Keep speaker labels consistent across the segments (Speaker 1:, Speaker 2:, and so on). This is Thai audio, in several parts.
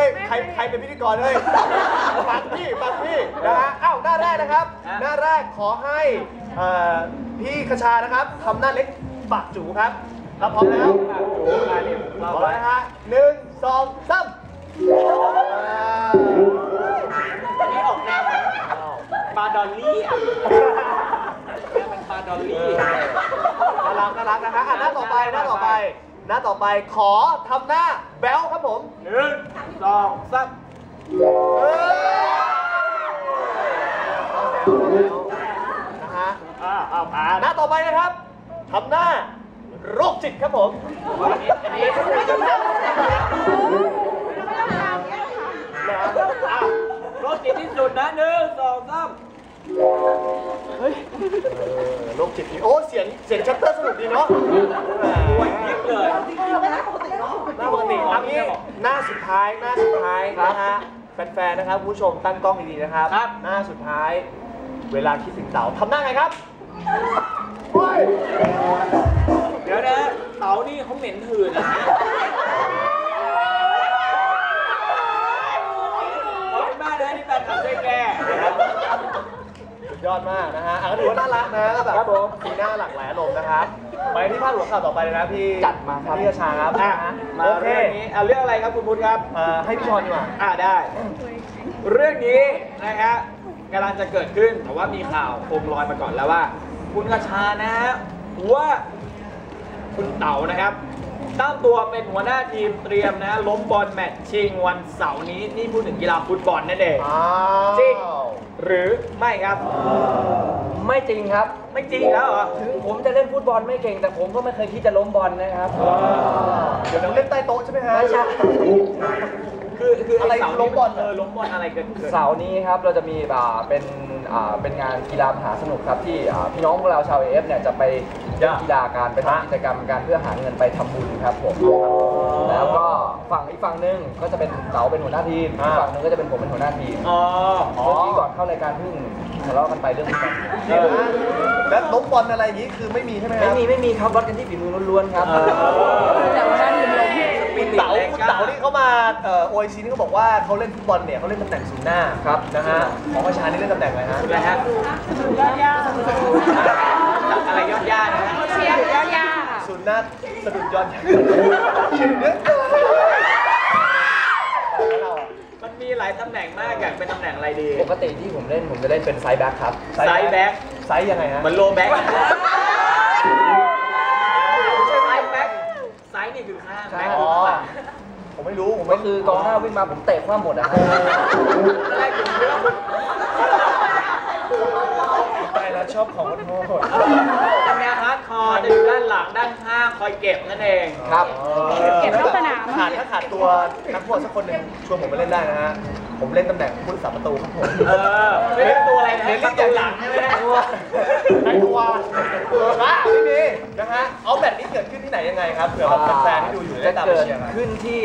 Speaker 1: ใครเป็นพิธีกรเลยฟังพี่นะฮะอ้าวหน้าแรกนะครับหน้าแรกขอให้พี่คชานะครับทำหน้าเล็กปากจูครับถ้าพร้อมแล้วพร้อมแล้วนะฮะ1 2 3
Speaker 2: นี่ออกแนวปลาดอลลี่เป็นปลาดอลลี่
Speaker 1: น่ารักนะฮะหน้าต่อไปขอทำหน้าแบ๊วครับผม
Speaker 2: 1 2 3
Speaker 1: นะฮะหน้าต่อไปนะครับทำหน้าโรคจิตครับผมอันนี้
Speaker 2: โรคจิตที่สุดนะ1 2 3
Speaker 1: เฮ้ยโรคจิตโอ้เสียงชัตเตอร์สนุกดีเนาะ
Speaker 2: วันยิบเลย
Speaker 1: หน้าปกติอันนี้หน้าสุดท้ายนะฮะแฟนๆนะครับผู้ชมตั้งกล้องดีๆนะครับหน้าสุดท้ายเวลาคิดถึงเต๋าทำหน้าไงครับ
Speaker 2: เดี๋ยวนะเต๋านี่เขาเหม็นหืนขอบคุณมากนะที่แฟนคลับช่วยแก้
Speaker 1: สุดยอดมากนะฮะก็ถือว่าน่ารักนะแบบสีหน้าหลากหลายอารมณ์นะครับไปที่ภาพหัวข่าวต่อไปเลยนะพี่
Speaker 2: จัดมาครับ
Speaker 1: พี่กระชาครับ
Speaker 2: มาเรื่องนี้เรื่องอะไรครับคุณพุทธครับ
Speaker 1: ให้พี่ชอนดีกว่า
Speaker 2: ได้เรื่องนี้นะครับกำลังจะเกิดขึ้นแต่ว่ามีข่าวโคมลอยมาก่อนแล้วว่าคุณกระชานะฮะว่าคุณเต๋านะครับตั้งตัวเป็นหัวหน้าทีมเตรียมนะล้มบอลแมตช์ชิงวันเสาร์นี้นี่พูดถึงกีฬาฟุตบอลนั่นเองจริงหรือไม่ครับ
Speaker 3: ไม่จริงครับ
Speaker 2: ไม่จริงแล้วเหรอ
Speaker 3: ถึงผมจะเล่นฟุตบอลไม่เก่งแต่ผมก็ไม่เคยคิดจะล้มบอลนะครับ
Speaker 1: เดี๋ยวเราเล่นใต้โต๊ะใช่ไหมฮะ
Speaker 3: ไม่ใช่
Speaker 2: คืออะไรล้มบอลล้มบอลอะไรเกิดขึ้น
Speaker 3: เสาร์นี้ครับเราจะมีเป็นงานกีฬามหาสนุกครับที่พี่น้องพวกเราชาวAFเนี่ยจะไปเล่นกีฬาการไปทำกิจกรรมการเพื่อหาเงินไปทำบุญครับผมแล้วก็อีกฝั่งนึงก็จะเป็นเต๋าเป็นหัวหน้าทีมอีกฝั่งนึงก็จะเป็นผมเป็นหัวหน้าทีมเมื่อกี้ก่อนเข้ารายการเพิ่งทะเลาะกันไปเรื่องฟุตบอล
Speaker 1: แล้วล้มบอลอะไรอย่างนี้คือไม่มีใช่ไหมครับ
Speaker 3: ไม่มีครับวัดกันที่ฝีมือล้วนๆครับ
Speaker 1: แต่ว่าคุณเต๋านี่เขามาOICนี่เขาบอกว่าเขาเล่นฟุตบอลเนี่ยเขาเล่นตำแหน่งศูนย์หน้า
Speaker 3: ครับ
Speaker 1: นะฮะของประชานี่เล่นตำแหน่งอะไรฮะ
Speaker 2: อะไรฮะยอดย่าอะไรยอดย่านะ
Speaker 4: เชียร์ยอดย่า
Speaker 1: ศูนย์หน้าสะดุดยอดย่า
Speaker 2: มันมีหลายตำแหน่งมากอยากเป็นตำแหน่งอะไรดี
Speaker 3: ปกติที่ผมจะเล่นเป็นไซด์แบ็คครับ
Speaker 2: ไซด์แบ็ค
Speaker 1: ไซด์ยังไงฮะ
Speaker 2: มันโลแบ็คไซส์นี่คือข้างแบ็คคือข้าง
Speaker 1: ผมไม่รู้
Speaker 3: ก็คือกองหน้าวิ่งมาผมเตะคว้าหมดนะครับ
Speaker 2: อะไรถึงเรื่อง
Speaker 1: ไปแล้วชอบของโหด
Speaker 2: จะแนวฮาร์ดคอร์จะอยู่ด้านหลังด้านข้างคอยเก็บนั่นเอง
Speaker 3: ครับ
Speaker 4: เก็บนอกสนาม
Speaker 1: ถ้าขาดตัวนักบอลสักคนหนึ่งชวนผมไปเล่นได้นะฮะผมเล่นตำแหน่งผู้รักษาประตูครับผม
Speaker 2: ไม่เล่นตัวอะไรนะประตูหลังใช่ไหม
Speaker 1: ตัวไม่มีนะฮะเอาแบบนี้เกิดขึ้นที่ไหนยังไงครับเผื่อแฟนๆที่ดูอยู่ได้ตามไปเชียร์
Speaker 3: ขึ้นที่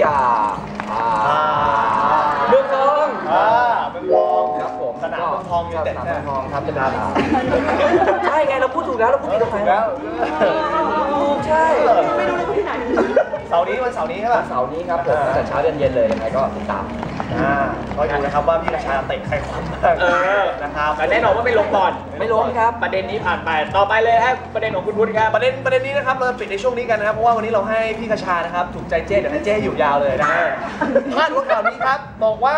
Speaker 3: เมืองทองครับผม
Speaker 1: สนามเมืองทองอยู่แต่
Speaker 3: สนามเมืองทองครับจะเป็นใช่ไงเราพูดถูกแล้วเราพูดถูกแล้วใช่
Speaker 4: ไม่รู้เลยที่ไหน
Speaker 1: เสาร์นี้วันเสาร์นี้ใช่ป่ะ
Speaker 3: เสาร์นี้ครับผมแต่เช้าเย็นเลยยังไงก็ติดตาม
Speaker 1: ก็ดูนะครับว่าพี่กระชาเตะใครความบ้างนะครับ
Speaker 2: แต่แน่นอนว่าไม่ล้มบอล
Speaker 3: ไม่ล้มครับ
Speaker 2: ประเด็นนี้ผ่านไปต่อไปเลยครับประเด็นของคุณพุทธครับ
Speaker 1: ประเด็นนี้นะครับเราปิดในช่วงนี้กันนะครับเพราะว่าวันนี้เราให้พี่กระชานะครับถูกใจเจ๊เดี๋ยวให้เจ๊อยู่ยาวเลยนะพาดหัวข่าวนี้ครับบอกว่า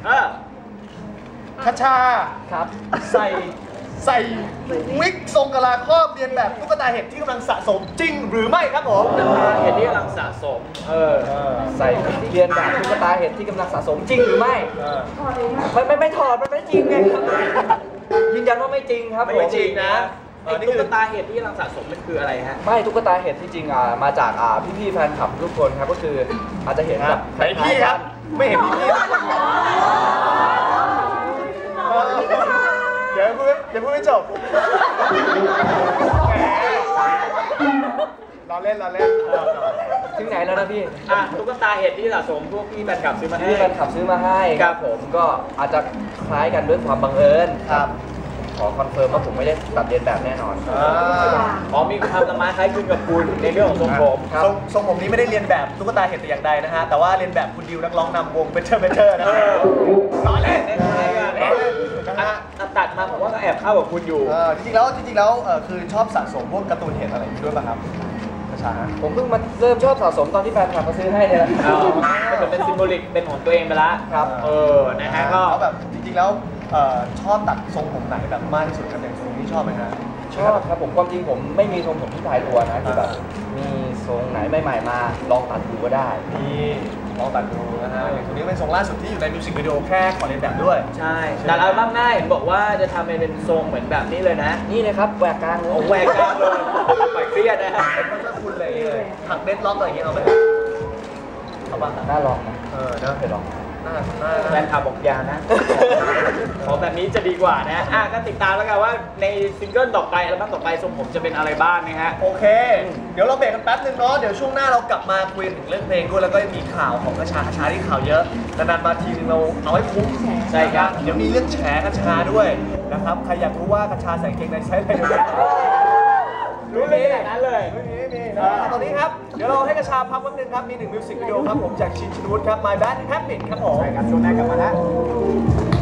Speaker 1: กระชา
Speaker 3: ครับ
Speaker 1: ใส่วิกทรงกะลาครอบเรียนแบบตุ๊กตาเห็ดที่กำลังสะสมจริงหรือไม่ครับผม
Speaker 2: ตุ๊กตาเห็ดที่กำลังสะสม
Speaker 3: ใส่เรียนแบบตุ๊กตาเห็ดที่กำลังสะสมจริงหรือไม่ไม่ถอดมันไม่จริงไงครับยืนยันว่าไม่จริงครับ
Speaker 2: ไม่จริงนะตุ๊กตาเห็ดที่กำลังสะสมมันคืออะไรฮะ
Speaker 3: ไม่ตุ๊กตาเห็ดที่จริงมาจากพี่ๆแฟนคลับทุกคนครับก็คืออาจจะเห็นแบบ
Speaker 1: พี่ครับไม่เห็นพี่เดี๋ยวพูดไม่จบเราเล่น
Speaker 3: ถึงไหนแล้วนะพี่
Speaker 2: ตุ๊กตาเห็ดที่สะสมพวกพี่แฟนคลับซื้อมาให้
Speaker 3: แฟนคลับซื้อมาให้ครับผมก็อาจจะคล้ายกันด้วยความบังเอิญ
Speaker 1: ครับ
Speaker 3: ขอคอนเฟิร์มว่าผมไม่ได้ตัดเลียนแบบแน่นอน
Speaker 2: อ๋อมีความละไม้คล้ายคลึงกับคุณในเรื่องของทรงผม
Speaker 3: ครับ
Speaker 1: ทรงผมนี้ไม่ได้เรียนแบบตุ๊กตาเห็ดแต่อย่างใดนะฮะแต่ว่าเรียนแบบคุณดิวนักร้องนำวงเบเชอร์นะฮะล้อเล่น
Speaker 2: คล้ายๆกัน
Speaker 1: ล้อเล่นนะฮะ
Speaker 2: ตัดมาผมว่าก็แอบเข้ากับคุณอยู่
Speaker 1: จริงๆแล้วคือชอบสะสมพวกการ์ตูนเห็ดอะไรอย่างนี้ด้วยป่ะครับกระชาฮะ
Speaker 3: ผมเพิ่งมาเริ่มชอบสะสมตอนที่แฟนคลับมาซื้อให้เนี่ยแหละ
Speaker 2: ก็เป็นซิมโบลิกเป็นของตัวเองไปละ
Speaker 3: ครับ
Speaker 2: นะฮะก็
Speaker 1: แล้วแบบจริงๆแล้วชอบตัดทรงผมไหนแบบมากที่สุดครับอย่างทรงนี้ชอบไหมฮะ
Speaker 3: ชอบครับผมความจริงผมไม่มีทรงผมที่ตายตัวนะคือแบบมีทรงไหนใหม่ๆมาลองตัดดูก็ได้
Speaker 1: นี่ลองตัดดูนะฮะอย่างตัวนี้เป็นทรงล่าสุดที่อยู่ในมิวสิกวิดีโอแค่ขอเรียนแบบด้วย
Speaker 2: ใช่แต่อัลบั้มหน้าเห็นบอกว่าจะทำเป็นทรงเหมือนแบบนี้เลยนะ
Speaker 3: นี่เลยครับแหวกกลางเลย
Speaker 2: โอ้แหวกกลางเลยปล่อยเครียดนะฮะ
Speaker 1: เป็นถ้าคุณเลยหักเด็ดล็อกอะไรอย่างเงี้ยเอาไหมเอาบ้าง
Speaker 3: น่าลองนะ
Speaker 1: นะ
Speaker 3: เคยลอง
Speaker 2: แฟนคลับบอกอยานะ ของแบบนี้จะดีกว่านะก็ติดตามแล้วกันว่าในซิงเกิลต่อไปอัลบั้มต่อไปทรงผมจะเป็นอะไรบ้างนะฮะ
Speaker 1: โอเค เดี๋ยวเราเบรกกันแป๊บนึงเนาะเดี๋ยวช่วงหน้าเรากลับมาคุยถึงเรื่องเพลงด้วยแล้วก็มีข่าวของกระชาที่ข่าวเยอะนานๆมาทีนึงเราเอาให้คุ้ม
Speaker 2: ใช่ครับ
Speaker 1: เดี๋ยวมีเรื่องแฉกระชาด้วยนะครับใครอยากรู้ว่ากระชาใส่เกงในใช้อะไรอยู่เนี่ย
Speaker 2: รู้เลยแบบนั้นเลย
Speaker 1: ไม่มีตอนนี้ครับ เดี๋ยวเราให้กระชาพักแป๊บนึงครับ มี1มิวสิกวิดีโอครับผมจากชินชินวุฒิครับ My Bad Habit ครับผม
Speaker 2: ใช่ครับช่วงหน้ากลับมาแล้ว